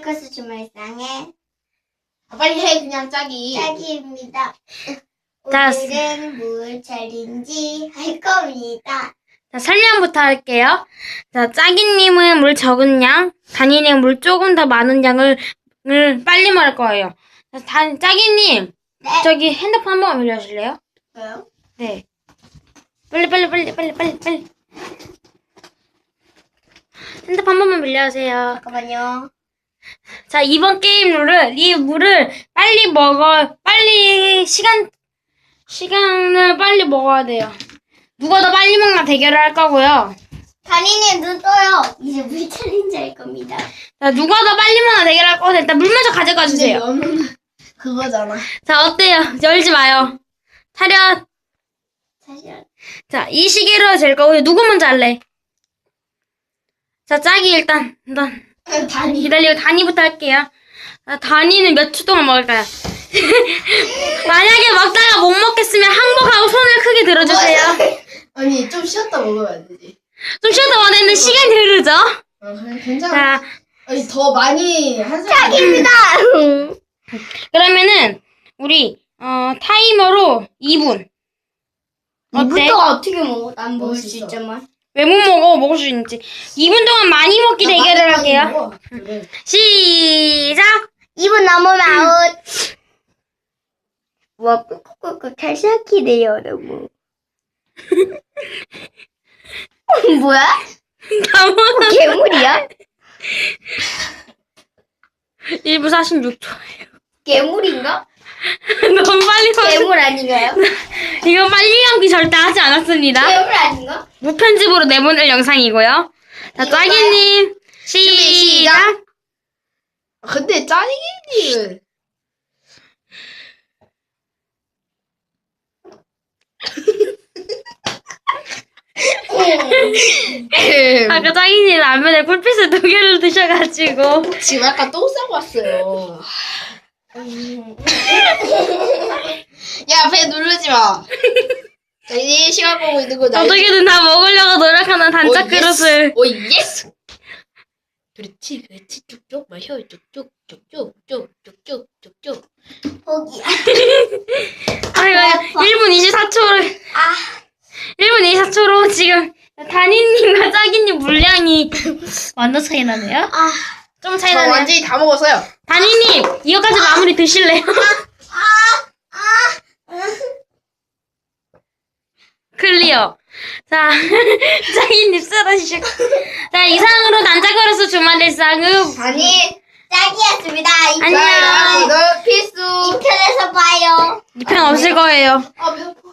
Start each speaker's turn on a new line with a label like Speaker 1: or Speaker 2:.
Speaker 1: 포커스 주말상의
Speaker 2: 빨리 해 그냥 짝이.
Speaker 1: 짝이입니다.
Speaker 3: 자,
Speaker 1: 오늘은 물 챌린지 할 겁니다.
Speaker 3: 자, 설명부터 할게요. 자, 짜기님은 물 적은 양, 다니는 물 조금 더 많은 양을 빨리 말할 거예요. 자, 짜기님,
Speaker 1: 네.
Speaker 3: 저기 핸드폰 한 번만 빌려주실래요?
Speaker 1: 왜요?
Speaker 3: 네. 빨리. 핸드폰 한 번만 빌려주세요.
Speaker 1: 잠깐만요.
Speaker 3: 자, 이번 게임 룰은 이 물을 빨리 시간을 빨리 먹어야 돼요. 누가 더 빨리 먹나 대결을 할 거고요.
Speaker 1: 다니님 눈 떠요. 이제 물 챌린지 할 겁니다.
Speaker 3: 자, 누가 더 빨리 먹나 대결할 거고 일단 물 먼저 가져가 주세요.
Speaker 2: 너는 그거잖아.
Speaker 3: 자, 어때요? 열지 마요. 차렷.
Speaker 1: 사실
Speaker 3: 자, 이 시계로 잴 거고요. 누구 먼저 할래? 자, 짝이 일단
Speaker 2: 다니.
Speaker 3: 기다리고 다니부터 할게요. 아, 다니는 몇 초 동안 먹을까요? 만약에 먹다가 못 먹겠으면 항복하고 손을 크게 들어주세요.
Speaker 2: 아니 좀 쉬었다 먹어야 되지.
Speaker 3: 좀 쉬었다 원했는데 시간이 흐르죠?
Speaker 2: 그래, 괜찮아.
Speaker 3: 자,
Speaker 2: 아니 더 많이 한 사람.
Speaker 1: 짝입니다.
Speaker 3: 그러면은 우리 타이머로 2분. 어때?
Speaker 1: 이분도가 어떻게 먹어? 난 먹을 수
Speaker 2: 맛있어.
Speaker 1: 있지만.
Speaker 3: 왜 못 먹어? 먹을 수 있지. 2분 동안 많이 먹기 대결을 할게요.
Speaker 2: 그래.
Speaker 3: 시작!
Speaker 1: 2분 넘으면 아웃. 와, 꾹꾹꾹 잘 시작이네요, 여러분. 뭐야?
Speaker 3: 다 먹어.
Speaker 1: 괴물이야?
Speaker 3: 1분 46초예요.
Speaker 1: 괴물인가?
Speaker 3: 너무 빨리 먹어.
Speaker 1: 괴물 아닌가요?
Speaker 3: 이거 빨리 감기 절대 하지 않았습니다.
Speaker 1: 괴물 아닌가?
Speaker 3: 무편집으로 내보낼 영상이고요. 자, 짜기님, 시작!
Speaker 2: 근데 짜리기님
Speaker 3: 아까 짜기님 라면에 꿀빛을 2개를 드셔가지고.
Speaker 2: 지금 아까 똥 싸고 왔어요. 야, 배 누르지 마. 자, 이제 시간 보고 있는 거 나.
Speaker 3: 어떻게든 다 먹으려고 노력하는 단짝 그릇을.
Speaker 2: 오, 예스. 그렇지. 쭉쭉 마셔. 쭉쭉.
Speaker 1: 포기야.
Speaker 3: 아이고, 1분 24초로.
Speaker 1: 아,
Speaker 3: 1분 24초로 지금 다니님과 짜기님 물량이 완전 차이 나네요.
Speaker 1: 아,
Speaker 3: 좀 차이
Speaker 2: 저
Speaker 3: 나네요.
Speaker 2: 완전히 다 먹었어요.
Speaker 3: 다니님, 이거까지 마무리 드실래요? 클리어. 자, 짜기님 쓰러지셨고. 자, 이상으로 단짝거려서 주말 일상은
Speaker 1: 아니, 짝이었습니다.
Speaker 3: 안녕.
Speaker 2: 이거 필수.
Speaker 1: 2편에서 봐요.
Speaker 3: 2편 없을 거예요.
Speaker 2: 아, 배고파.